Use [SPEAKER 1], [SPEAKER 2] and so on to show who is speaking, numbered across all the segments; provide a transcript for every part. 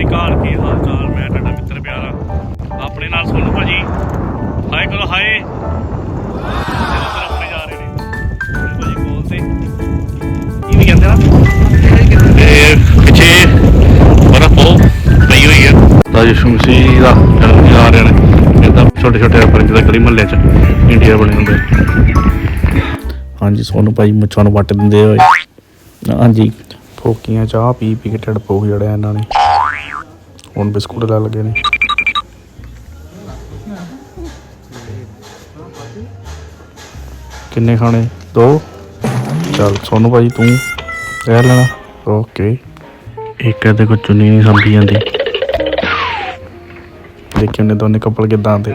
[SPEAKER 1] ਅਕਾਲ, ਕੀ ਹਾਲ ਚਾਲ? ਮੈਂ ਤੁਹਾਡਾ ਮਿੱਤਰ ਪਿਆਰਾ, ਆਪਣੇ ਨਾਲ ਸੋਨੂ ਭਾਜੀ। ਹਾਏ ਕਰੋ ਹਾਏ। ਆਪਣੇ ਜਾ ਰਹੇ ਨੇ ਭਾਜੀ ਕੋਲ ਤੇ ਕੀ ਵੀ ਕਹਿੰਦੇ ਨਾ, ਤੇ ਪਿੱਛੇ ਬਰਫ਼ ਬਹੁਤ ਪਈ ਹੋਈ ਹੈ। ਯਿਸੂ ਮਸੀਹ ਦਾ ਜਨਮ ਦਿਨ ਆ ਰਹੇ ਨੇ। ਇੱਦਾਂ ਛੋਟੇ ਛੋਟੇ ਪਰ ਜਿੱਦਾਂ ਗਲੀ ਮੁਹੱਲੇ 'ਚ ਇੰਡੀਆ ਬਣੇ ਹੁੰਦੇ। ਹਾਂਜੀ ਸੋਨੂ ਭਾਈ ਮੁੱਛਾਂ ਨੂੰ ਵੱਟ ਦਿੰਦੇ ਹੋਏ। ਹਾਂਜੀ ਫੋਕੀਆਂ ਚਾਹ ਪੀ ਪੀ ਕੇ ਢਿੱਡ ਪੋਹ ਜੜਿਆ ਇਹਨਾਂ ਨੇ। ਹੁਣ ਬਿਸਕੁਟ ਲੈ ਲੱਗੇ ਨੇ। ਕਿੰਨੇ ਖਾਣੇ? 2। ਚੱਲ ਸੋਨੂ ਭਾਈ ਤੂੰ ਰਹਿ ਲੈਣਾ। ਓਕੇ। ਇੱਕ ਇਹਦੇ ਕੋਲ ਚੁੰਨੀ ਨਹੀਂ ਸੰਭੀ ਜਾਂਦੀ। ਦੇਖੀ ਉਹਨੇ ਦੋਨੇ ਕੱਪਲ ਕਿੱਦਾਂ ਆਉਂਦੇ।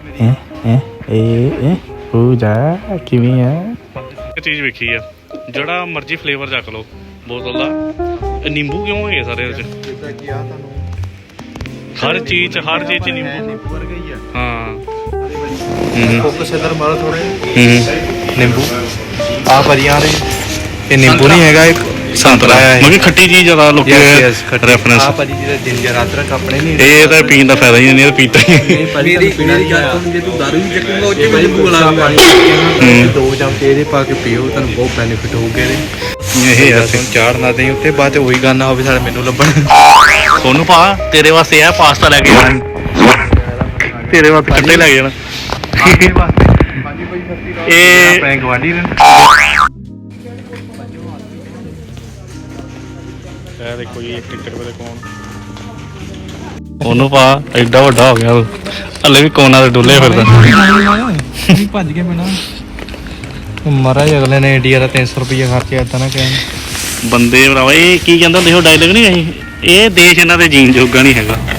[SPEAKER 1] ਪੂਜਾ ਕਿਵੇਂ ਆ? ਇੱਕ ਚੀਜ਼ ਵੇਖੀ ਆ, ਜਿਹੜਾ ਮਰਜ਼ੀ ਫਲੇਵਰ ਚੱਕ ਲਓ ਬੋਤਲ ਦਾ। ਨਿੰਬੂ ਕਿਉਂ ਹੈਗੇ ਸਾਰੇ ਇਹਦੇ 'ਚ? ਹਰ ਚੀਜ਼ 'ਚ ਨਿੰਬੂ ਵਰਗਾ ਹੀ ਆ। ਹਾਂ ਫੋਕਸ ਇਧਰ ਮਾਰੋ ਥੋੜੇ। ਨਿੰਬੂ ਆ ਭਰੀਆਂ ਨੇ। ਇਹ ਨਿੰਬੂ ਨਹੀਂ ਹੈਗਾ, ਇੱਕ ਸੰਤਰਾ ਹੈ। ਮਤਲਬ ਖੱਟੀ ਚੀਜ਼ ਜ਼ਿਆਦਾ ਲੋਕੀ ਰੈਫਰੈਂਸ। ਆ ਭਾਜੀ ਜਿਹੜਾ ਜਿੰਜਰ ਅਦਰਕ ਆਪਣੇ ਨਹੀਂ, ਇਹ ਤਾਂ ਪੀਣ ਦਾ ਫਾਇਦਾ ਹੀ ਨਹੀਂ, ਇਹ ਪੀਤਾ ਹੀ ਮੇਰੀ ਗੱਲ ਸੁਣ, ਜੇ ਤੂੰ ਦਾਰੂ ਵੀ ਚੱਕੂਗਾ ਉਹ 'ਚ ਵੀ ਨਿੰਬੂ ਵਾਲਾ ਪਾਣੀ 2 ਚਮਚੇ ਇਹਦੇ ਪਾ ਕੇ ਪੀਓ, ਤੁਹਾਨੂੰ ਬਹੁਤ ਬੈਨੀਫਿਟ ਹੋਊਗਾ ਇਹਦੇ। ਇਹ ਅਸੀਂ ਚਾੜ ਨਾ ਦੇਈ ਉੱਤੇ, ਬਾਅਦ 'ਚ ਉਹੀ ਗੱਲ ਨਾ ਹੋਵੇ ਸਾਡੇ ਮੈਨੂੰ ਲੱਭਣ। ਸੋਨੂੰ ਭਾ ਤੇਰੇ ਵਾਸਤੇ ਆ ਪਾਸਤਾ ਲੈ ਕੇ ਆਉਣਾ, ਤੇਰੇ ਵਾਸਤੇ ਕੱਟੇ ਲੈ ਕੇ ਜਾਣਾ। ਇਹ ਆਪਣੇ ਗਵਾਂਢੀ ਨੇ। ਇਹ ਦੇਖੋ ਜੀ ਟਿਕਟ ਵੇਲੇ ਕੌਣ ਉਹਨੂੰ ਪਾ ਐਡਾ ਵੱਡਾ ਹੋ ਗਿਆ, ਹਲੇ ਵੀ ਕੋਨਾ ਤੇ ਡੁੱਲੇ ਫਿਰਦਾ। ਭੱਜ ਕੇ ਮੈਨਾਂ ਮਹਾਰਾਜ ਅਗਲੇ ਨੇ ਇੰਡੀਆ ਦਾ 300 ਰੁਪਈਆ ਖਰਚਿਆ। ਏਦਾਂ ਨਾ ਕਹਿਣ ਬੰਦੇ ਭਰਾਵਾ। ਇਹ ਕੀ ਕਹਿੰਦਾ ਦੇਖੋ ਡਾਇਲੋਗ ਨਹੀਂ, ਇਹ ਦੇਸ਼ ਇਹਨਾਂ ਦੇ ਜੀਣ ਜੋਗਾ ਨਹੀਂ ਹੈਗਾ।